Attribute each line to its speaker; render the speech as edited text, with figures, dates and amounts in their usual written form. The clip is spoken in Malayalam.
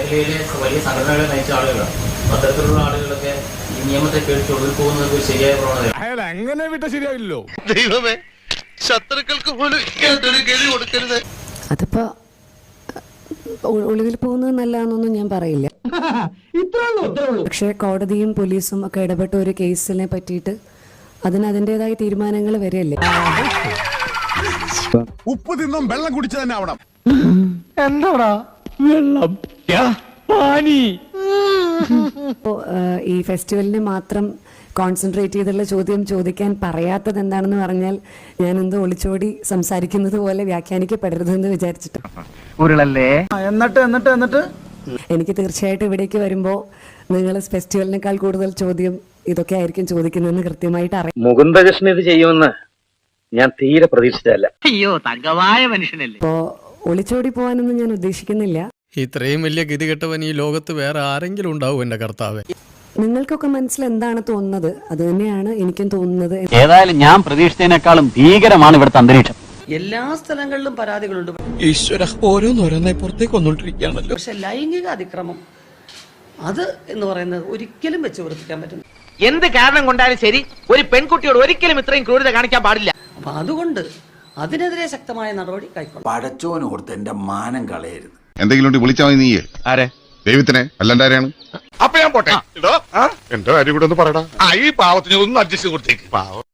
Speaker 1: മേഖലയിലെ വലിയ സംഘടനകളെ നയിച്ച ആളുകളാണ്. അത്തരത്തിലുള്ള ആളുകളൊക്കെ ഈ നിയമത്തെ പേടിച്ച് ഒളിവിൽ പോകുന്നത് ഒരു ശരിയായ പ്രവണതയാണ്.
Speaker 2: അയാൾ അങ്ങനെ വിട്ട ശരിയാവില്ലല്ലോ.
Speaker 3: ദൈവമേ, ശത്രുക്കൾക്ക് പോലും ഒരു ഗതി കൊടുക്കരുത്.
Speaker 4: അതിപ്പോ ഒളിവിൽ പോകുന്നത് നല്ലതാണെന്നൊന്നും ഞാൻ പറയില്ല. പക്ഷെ കോടതിയും പോലീസും ഒക്കെ ഇടപെട്ട ഒരു കേസിനെ പറ്റിയിട്ട് അതിന് അതിൻ്റെതായ തീരുമാനങ്ങൾ വരെയല്ലേ.
Speaker 2: ഉപ്പ് തിന്നും വെള്ളം കുടിച്ചു തന്നെ ആവണം.
Speaker 5: എന്താടാ വെള്ളം
Speaker 4: ഈ ഫെസ്റ്റിവലിനെ മാത്രം കോൺസെൻട്രേറ്റ് ചെയ്തുള്ള ചോദ്യം ചോദിക്കാൻ പറയാത്തത് എന്താണെന്ന് പറഞ്ഞാൽ ഞാൻ എന്തോ ഒളിച്ചോടി സംസാരിക്കുന്നത് പോലെ വ്യാഖ്യാനിക്കപ്പെടരുതെന്ന് വിചാരിച്ചിട്ട്.
Speaker 5: ഉരുളല്ലേ. എന്നിട്ട്
Speaker 4: എനിക്ക് തീർച്ചയായിട്ടും ഇവിടേക്ക് വരുമ്പോൾ നിങ്ങൾ ഫെസ്റ്റിവലിനേക്കാൾ കൂടുതൽ ചോദ്യം ഇതൊക്കെ ആയിരിക്കും ചോദിക്കുന്നതെന്ന് കൃത്യമായിട്ട് അറിയാം.
Speaker 6: മുകുന്ദകൃഷ്ണൻ ഇത് ചെയ്യുമെന്ന് ഞാൻ തീരെ പ്രതീക്ഷിച്ചതല്ല.
Speaker 5: അയ്യോ തങ്കമായ മനുഷ്യനല്ലേ.
Speaker 4: അപ്പോൾ ഒളിച്ചോടി പോകാനൊന്നും ഞാൻ ഉദ്ദേശിക്കുന്നില്ല.
Speaker 7: ഇത്രയും വലിയ ഗതികെട്ടവൻ ഈ ലോകത്ത് വേറെ ആരെങ്കിലും ഉണ്ടാവും എന്റെ കർത്താവേ.
Speaker 4: നിങ്ങൾക്കൊക്കെ മനസ്സിൽ എന്താണ് തോന്നുന്നത് അത് തന്നെയാണ് എനിക്കും തോന്നുന്നത്.
Speaker 6: ഏതായാലും ഞാൻ പ്രതീക്ഷിച്ചതിനേക്കാളും ഭീകരമാണ് ഇവിടുത്തെ അന്തരീക്ഷം.
Speaker 8: എല്ലാ സ്ഥലങ്ങളിലും പരാതികളുണ്ട്.
Speaker 7: ഈശ്വര, ഓരോന്നോരോന്നായി പുറത്തേക്ക് വന്നോണ്ടിരിക്കുകയാണല്ലോ.
Speaker 8: പക്ഷെ ലൈംഗിക അതിക്രമം അത് എന്ന് പറയുന്നത് ഒരിക്കലും വെച്ച് ഉറപ്പിക്കാൻ പറ്റും.
Speaker 5: എന്ത് കാരണം കൊണ്ടാലും ശരി, ഒരു പെൺകുട്ടിയോട് ഒരിക്കലും ഇത്രയും ക്രൂരത കാണിക്കാൻ പാടില്ല.
Speaker 8: അപ്പൊ അതുകൊണ്ട് അതിനെതിരെ ശക്തമായ നടപടി കൈക്കൊള്ളും.
Speaker 9: പടച്ചോനോർത്ത് എന്റെ മാനം കളയരുത്.
Speaker 10: എന്തെങ്കിലും വിളിച്ചാൽ മതി. നീയേ ആരെ? ദൈവത്തിനെ അല്ലാണ്ട് ആരെയാണ്?
Speaker 2: അപ്പൊ ഞാൻ പോട്ടെ. എന്റെ കാര്യം കൂടെ ഒന്ന് പറയടാ. ഈ പാവത്തിന് ഒന്ന് അഡ്ജസ്റ്റ് കൊടുത്തേക്ക്. പാവം.